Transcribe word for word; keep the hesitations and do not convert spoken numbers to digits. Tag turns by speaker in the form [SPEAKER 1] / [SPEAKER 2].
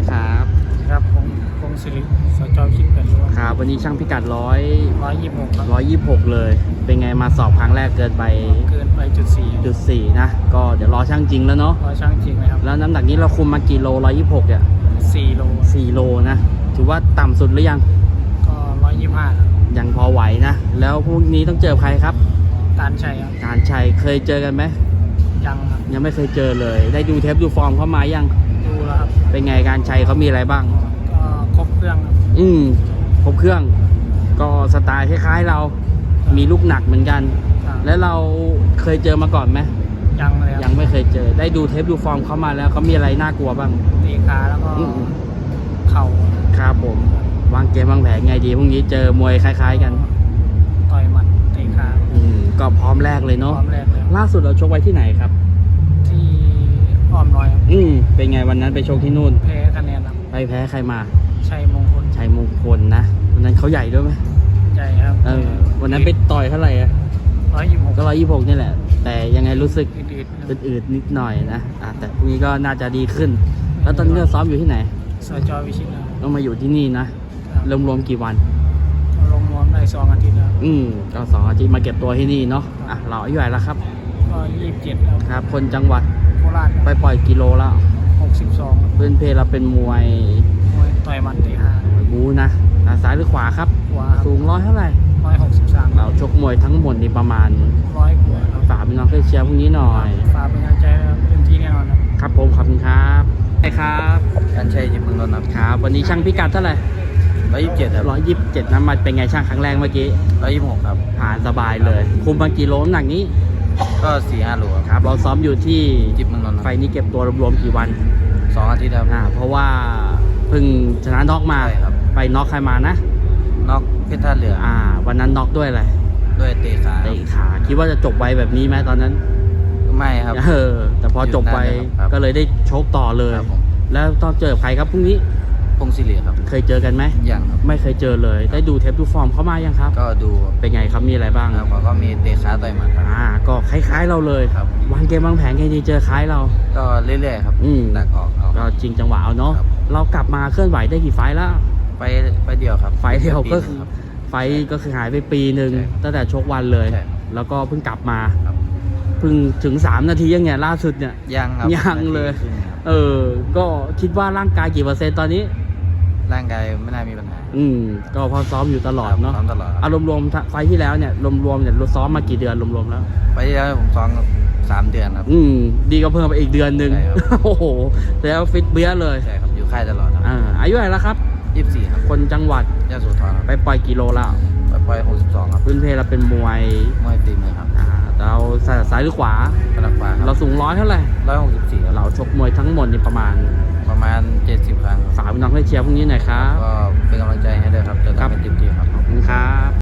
[SPEAKER 1] ครับ
[SPEAKER 2] ครับผมพงศิริสจคิดเป็นรั้ว
[SPEAKER 1] ครับวันนี้ช่างพิกัดร้อย
[SPEAKER 2] ร้อยยี่สิบหกครับ
[SPEAKER 1] ร้อยยี่สิบหกเลย เป็นไงมาสอบครั้งแรกเกินไป
[SPEAKER 2] เกินไปจุดสี่
[SPEAKER 1] จุดสี่นะก็เดี๋ยวรอช่างจริงแล้วเนาะ
[SPEAKER 2] ร้อยช่างจริงไหมครับ
[SPEAKER 1] แล้วน้ำหนักนี้เราคุมมากี่โลร้อยยี่สิบหกเนี่ย
[SPEAKER 2] สี่โล
[SPEAKER 1] สี่โลนะถือว่าต่ำสุดหรือยัง
[SPEAKER 2] ก็ร้อยยี่สิบห้าครับ
[SPEAKER 1] ยังพอไหวนะ แล้วพรุ่งนี้ต้องเจอใครครับ
[SPEAKER 2] ตานชัยครับ
[SPEAKER 1] การชัยเคยเจอกันไหม
[SPEAKER 2] ยังครับ
[SPEAKER 1] ยังไม่เคยเจอเลย ได้ดูเทปดูฟอร์มเขามายัง
[SPEAKER 2] ดูแล้วครับ
[SPEAKER 1] เป็นไงการชัยเขามีอะไรบ้าง
[SPEAKER 2] ก็ครบเครื่องครับ
[SPEAKER 1] อืมครบเครื่อง ก็สไตล์คล้ายๆเรา มีลูกหนักเหมือนกัน
[SPEAKER 2] ครับ
[SPEAKER 1] แล้วเราเคยเจอมาก่อนไหม
[SPEAKER 2] ยังเลยค
[SPEAKER 1] ยั
[SPEAKER 2] รับ
[SPEAKER 1] งไม่เคยเจอ ได้ดูเทปดูฟอร์มเขามาแล้วเขามีอะไรน่ากลัวบ้าง
[SPEAKER 2] ตีขาแล้วก็
[SPEAKER 1] อืม
[SPEAKER 2] เข่า
[SPEAKER 1] ครับผม วางเกมวางแผนไงดีพรุ่งนี้เจอมวยคล้ายๆกัน
[SPEAKER 2] ต่อยหมัดตีขา
[SPEAKER 1] อืมก็พร้อมแรกเลย
[SPEAKER 2] พร้
[SPEAKER 1] เนาะ
[SPEAKER 2] อมแรกเลยครับ
[SPEAKER 1] ล่าสุดเราชกไว้ที่ไหนครับ
[SPEAKER 2] ที่อ้อมน้อยครับ
[SPEAKER 1] อืมเป็นไงวันนั้นไปชกที่นู่น
[SPEAKER 2] แพ้คะแนนครับ
[SPEAKER 1] ไปแพ้ใครมา
[SPEAKER 2] ชัยมงคล
[SPEAKER 1] ชัยมงคลนะวันนั้นเขาใหญ่ด้วยไหม
[SPEAKER 2] ใจครับ
[SPEAKER 1] เออวันนั้นไปต่อยเท่าไหร่อะ
[SPEAKER 2] ร้อยยี่สิบหก
[SPEAKER 1] ก็ร้อยยี่สิบหกนี่แหละ แต่ยังไงรู้สึก
[SPEAKER 2] อืดๆครับ
[SPEAKER 1] อืดๆนิดหน่อยนะอ่ะแต่พรุ่งนี้ก็น่าจะดีขึ้น แล้วตอนนี้เราซ้อมอยู่ที่ไหน
[SPEAKER 2] สจวิชิตครับ
[SPEAKER 1] ต้องมาอยู่ที่นี่นะรวมๆกี่วัน
[SPEAKER 2] ลงนวมได้สองอาทิตย์แล้ว
[SPEAKER 1] อืมก็สองอาทิตย์มาเก็บตัวที่นี่เนาะอ่ะเราอายุเท่าไหร่แล้วครับ
[SPEAKER 2] ก็ยี่สิบเจ็ดแล้ว
[SPEAKER 1] ครับ คนจังหวัด
[SPEAKER 2] โคราช
[SPEAKER 1] ไปปล่อยกิโลแล้ว
[SPEAKER 2] หกสิบสอง
[SPEAKER 1] เพื่อนเพเราเป็นมวย
[SPEAKER 2] มวยต่อยหมันตีห้าม
[SPEAKER 1] วยบูนะอ่ะซ้ายหรือขวาครับ
[SPEAKER 2] ขวา
[SPEAKER 1] สูงร้อยเท่าไหร่
[SPEAKER 2] ร้อยหกสิบสาม
[SPEAKER 1] เราชกมวยทั้งหมดนี่ประมาณ
[SPEAKER 2] ร้อยกว่าครับ
[SPEAKER 1] ฝากพี่น้องเพื่อนเชียร์พรุ่งนี้หน่อย
[SPEAKER 2] ฝากเป็นกำลังใจนะครับเต็มที่แน่นอนครับ
[SPEAKER 1] ครับผมขอบคุณครับใช่ครับ
[SPEAKER 3] การใช้จิตเมืองนนท์ครับ
[SPEAKER 1] ครับ วันนี้ช่างพิกัดเท่าไหร่
[SPEAKER 3] ร้อยยี่สิบเจ็ดครับ
[SPEAKER 1] ร้อยยี่สิบเจ็ดน้ำมันเป็นไงช่างครั้งแรกเมื่อกี้
[SPEAKER 3] ร้อยยี่สิบหกครับ
[SPEAKER 1] ผ่านสบายเลย คุมมากี่โลน้ำหนักนี้
[SPEAKER 3] ก็สี่ห้าโลครับ
[SPEAKER 1] ครับ เราซ้อมอยู่ที่
[SPEAKER 3] จิตเมืองนนท์ค
[SPEAKER 1] ไฟ
[SPEAKER 3] รับ
[SPEAKER 1] นี้เก็บตัวรวมๆกี่วัน
[SPEAKER 3] สองอาทิตย์ครับ
[SPEAKER 1] อ่าเพราะว่าเพิ่งชนะน็อกมา
[SPEAKER 3] ใช่ครับ
[SPEAKER 1] ไปน็อกใครมานะ
[SPEAKER 3] นอกเพชรท่าเรือ
[SPEAKER 1] อ่า วันนั้นน็อกด้วยอะไร
[SPEAKER 3] ด้วยเตะขา
[SPEAKER 1] เตะขาคิดว่าจะจบไวแบบนี้ไหมตอนนั้น
[SPEAKER 3] ไม่ครับ
[SPEAKER 1] เออแต่พอจบไป
[SPEAKER 3] อยู่นานเลยครับ
[SPEAKER 1] ก็เลยได้โชคต่อเลย
[SPEAKER 3] ครับผม
[SPEAKER 1] แล้วต้องเจอใครครับพรุ่งนี้
[SPEAKER 3] พงศิริครับ
[SPEAKER 1] เคยเจอกันไหม
[SPEAKER 3] อย่างครับ
[SPEAKER 1] ไม่เคยเจอเลย ได้ดูเทปดูฟอร์มเขามายังครับ
[SPEAKER 3] ก็ดู
[SPEAKER 1] เป็นไงครับมีอะไรบ้าง
[SPEAKER 3] ครับเขาก็มีเตะขาต่อยหมัดครับ
[SPEAKER 1] อ่าก็คล้ายๆเราเลย
[SPEAKER 3] ครับ
[SPEAKER 1] วางเกมวางแผนไงดีเจอคล้ายเรา
[SPEAKER 3] ก็เรื่อยๆครับ
[SPEAKER 1] อืม
[SPEAKER 3] ดักออกเอา
[SPEAKER 1] ก็จริงจังหวะเอาเนาะ
[SPEAKER 3] ครับ
[SPEAKER 1] เรากลับมาเคลื่อนไหวได้กี่ไฟล์แล้ว
[SPEAKER 3] ไปไปเดียวครับ
[SPEAKER 1] ไฟล์เดียวก็
[SPEAKER 3] ปีห
[SPEAKER 1] คื
[SPEAKER 3] นึ่
[SPEAKER 1] อง
[SPEAKER 3] ครับ
[SPEAKER 1] ไฟล์ก็คือหายไปปีหนึ่ง
[SPEAKER 3] ใช่ครับ
[SPEAKER 1] ตั้งแต่ชกวันเลย
[SPEAKER 3] ใช่ครับ
[SPEAKER 1] แล้วก็เพิ่งกลับมา
[SPEAKER 3] ครับ
[SPEAKER 1] เพิ่งถึงสามนาทียังไงล่าสุดเนี่ย
[SPEAKER 3] ยังครับ
[SPEAKER 1] ยังเลย
[SPEAKER 3] นาทีครึ่งครับ
[SPEAKER 1] เออ ก็คิดว่าร่างกายกี่เปอร์เซ็นต์ตอนนี้
[SPEAKER 3] ร่างกายไม่น่ามีปัญหา
[SPEAKER 1] อืมก็พอซ้อมอยู่ตลอดเนาะ
[SPEAKER 3] ซ้อมตลอดครับ
[SPEAKER 1] อารมณ์รวมๆไฟล์ที่แล้วเนี่ยรวมๆเนี่ยเราซ้อมมากี่เดือนรวมๆแล้ว
[SPEAKER 3] ไปที่แล้วผมซ้อมสามเดือนครับ
[SPEAKER 1] อืมดีก็เพิ่มไปอีกเดือนหนึ่ง
[SPEAKER 3] ใช่ครับ
[SPEAKER 1] โอ้โหแล้วฟิตเบี้ยเลย
[SPEAKER 3] ใช่ครับอยู่ค่ายตลอดครับ
[SPEAKER 1] อ่าอายุเท่าไหร่แล้วครับ
[SPEAKER 3] ยี่สิบสี่ครับ
[SPEAKER 1] คนจังหวัด
[SPEAKER 3] ยะโสธรครับ
[SPEAKER 1] ไปปล่อยกิโลแล้ว
[SPEAKER 3] ไปปล่อยหกสิบสองครับ
[SPEAKER 1] พื้นเพเราเป็นมวย
[SPEAKER 3] มวยตีมือครับ
[SPEAKER 1] อ่าเราใส่ซ้ายหรือขวา
[SPEAKER 3] กระดักฟ้าค
[SPEAKER 1] เรา
[SPEAKER 3] รับ
[SPEAKER 1] สูงร้อยเท่าไหร่
[SPEAKER 3] ร้อยหกสิบสี่ครับ
[SPEAKER 1] เราชกมวยทั้งหมดนี่ประมาณ
[SPEAKER 3] ประมาณเจ็ดสิบครั้งครับ
[SPEAKER 1] ฝากพี่น้องให้เชียร์พรุ่งนี้หน่อยครับ
[SPEAKER 3] ก็เป็นกำลังใจให้ด้วยครับจะ
[SPEAKER 1] ครับ
[SPEAKER 3] ทำให้เต็มที่ครับ
[SPEAKER 1] ขอบคุณครับ